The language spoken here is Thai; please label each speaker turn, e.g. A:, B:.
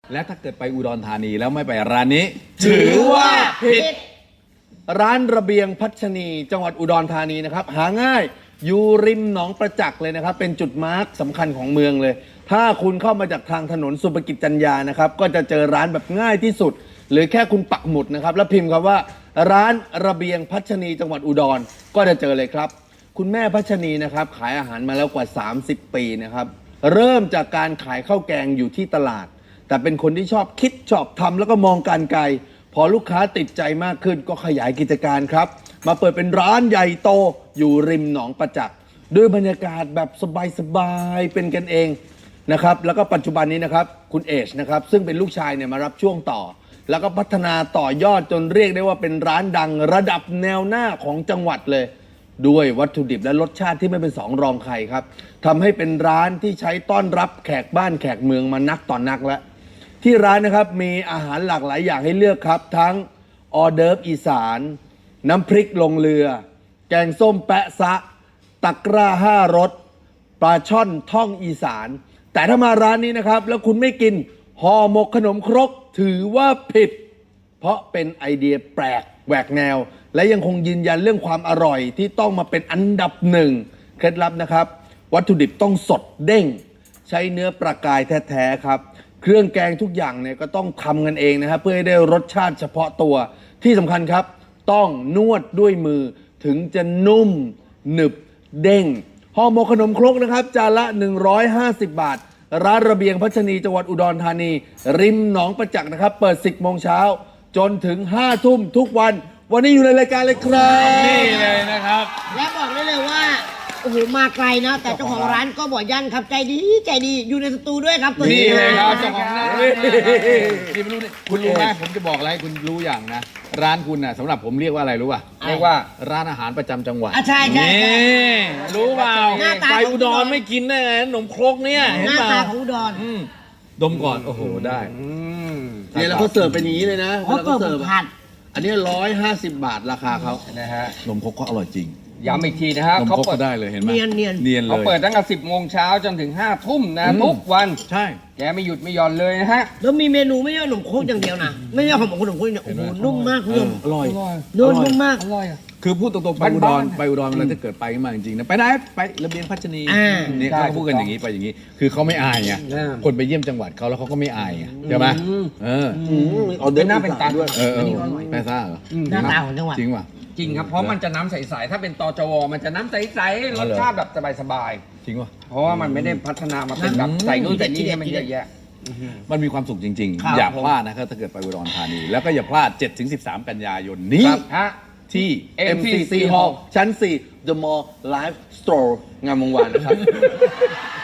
A: และถ้าเกิดไปอุดรธานีแล้วไม่ไปร้านนี้ถือว่าผิดร้านระเบียงพัชนีจังหวัดอุดรธานีนะครับหาง่ายอยู่ริมหนองประจักษ์เลยนะครับเป็นจุดมาร์คสำคัญของเมืองเลยถ้าคุณเข้ามาจากทางถนนสุภกิจจัญญานะครับก็จะเจอร้านแบบง่ายที่สุดหรือแค่คุณปักหมุดนะครับแล้วพิมพ์คำว่าร้านระเบียงพัชนีจังหวัดอุดรก็จะเจอเลยครับคุณแม่พัชนีนะครับขายอาหารมาแล้วกว่า30 ปีนะครับเริ่มจากการขายข้าวแกงอยู่ที่ตลาดแต่เป็นคนที่ชอบคิดชอบทำแล้วก็มองการไกลพอลูกค้าติดใจมากขึ้นก็ขยายกิจการครับมาเปิดเป็นร้านใหญ่โตอยู่ริมหนองประจักษ์ด้วยบรรยากาศแบบสบายๆเป็นกันเองนะครับแล้วก็ปัจจุบันนี้นะครับคุณเอชนะครับซึ่งเป็นลูกชายเนี่ยมารับช่วงต่อแล้วก็พัฒนาต่อยอดจนเรียกได้ว่าเป็นร้านดังระดับแนวหน้าของจังหวัดเลยด้วยวัตถุดิบและรสชาติที่ไม่เป็นสองรองใครครับทำให้เป็นร้านที่ใช้ต้อนรับแขกบ้านแขกเมืองมานักต่อนักแล้วที่ร้านนะครับมีอาหารหลากหลายอย่างให้เลือกครับทั้งออเดิร์ฟอีสานน้ำพริกลงเรือแกงส้มแปะซะตะกร้า5 รสปลาช่อนท่องอีสานแต่ถ้ามาร้านนี้นะครับแล้วคุณไม่กินห่อหมกขนมครกถือว่าผิดเพราะเป็นไอเดียแปลกแหวกแนวและยังคงยืนยันเรื่องความอร่อยที่ต้องมาเป็นอันดับหนึ่งเคล็ดลับนะครับวัตถุดิบต้องสดเด้งใช้เนื้อปลากายแท้ๆครับเครื่องแกงทุกอย่างเนี่ยก็ต้องทำกันเองนะครับเพื่อให้ได้รสชาติเฉพาะตัวที่สำคัญครับต้องนวดด้วยมือถึงจะนุ่มหนึบเด้งห่อหมกขนมครกนะครับจานละ150 บาทร้านระเบียงพัชนีจังหวัดอุดรธานีริมหนองประจักษ์นะครับเปิด 10 โมงเช้าจนถึง 5 ทุ่มทุกวันนี้อยู่ในรายการเลยครับ
B: นี่เลยนะครับ
C: และบอกได้เลยว่าโอ้โหมาไกลนะแต่เจ้าของร้านก็บอกยั่นครับใจดีอยู่ในสตูด้วยครับตัว
B: นี่
C: นี้
B: เลยครับเจ้าของร้านนี่ไม่รู้นี่คุณรู้ไหมผมจะบอกอะไรให้คุณรู้อย่างนะ ร้านคุณน่ะสำหรับผมเรียกว่าอะไรรู้ป่ะเรียกว่าร้านอาหารประจำจังหวัด
C: ใช่
B: นี่รู้เปล่า
C: หน้าตา
B: ไปอุดรไม่กินได้ไงขนมครกเนี่ยเห็
C: ห
B: น
C: น้า
B: เปล่า
C: ตาของอุดร
B: ดมก่อนโอ้โหได้
A: เนี่ยแล้วเขาเสิร์ฟเป็นอย่างนี้เลยนะ
C: เขาเปิดผัด
A: อันนี้150 บาทราคาเขา
D: นะฮะ
A: นมครกก็อร่อยจริง
D: ย้ำอีกทีนะฮะ
A: นม
D: เขา
A: ครก
D: เปิ
A: ก็
D: ด
A: ได้เลยเห็นไหม
C: เนียน
A: เนียนเล
D: เขา
A: ย
D: เปิดตั้งแต่10 โมงเช้าจนถึง 5 ทุ่มนะทุกวัน
A: ใช่
D: แกไม่หยุดไม่หย่อนเลยนะฮะ
C: แล้วมีเมนูไม่ใช่ขนมโคกอย่างเดียวนะไม่ใช่ขนมโคกเนี่ยโอ้โหนุ่มมากคุณผู้ชม
A: อร่อย
C: นุ่มมาก
D: อร่อยอ่ะ
A: คือพูดตรงๆไปอุด
D: บ้าร นๆ
A: ไปอุดรมันถ้าเกิดไปมาจริงๆนะไปไหนไประเบียงพัชนี
C: อ่า
A: เนี่ย
D: ใช่
A: เขาพูดกันอย่างนี้ไปอย่างนี้ คือเขาไม่อายไง
D: อ่า
A: คนไปเยี่ยมจังหวัดเขาแล้วเขาก็ไม่อายไงใช่ไหมเอาเดิ
D: เป็นหน้าเป็นตา
A: ด้วยแม่ซ่าเหรอ
C: หน้าตาของจังหวัด
A: จริงป่ะ
D: จริงครับ เพราะมันจะน้ำใสๆ ถ้าเป็นตจวมันจะน้ำใสๆ รสชาติแบบสบาย
A: จริงป่ะ
D: ๆ เพราะว่ามันไม่ได้พัฒนามาเป็นแบบใส่นู่นใส่นี่ให้มันเยอะแยะ
A: มันมีความสุขจริง
D: ครับ
A: ๆ อย่าพลาดนะครับถ้าเกิดไปอุดรธานี แล้วก็อย่าพลาด 7-13 กันยายนนี้
D: ครับฮะ
A: ที่
D: MCC
A: MCC Hall ชั้น 4 The Mall Live Store งามวงวานนะครับ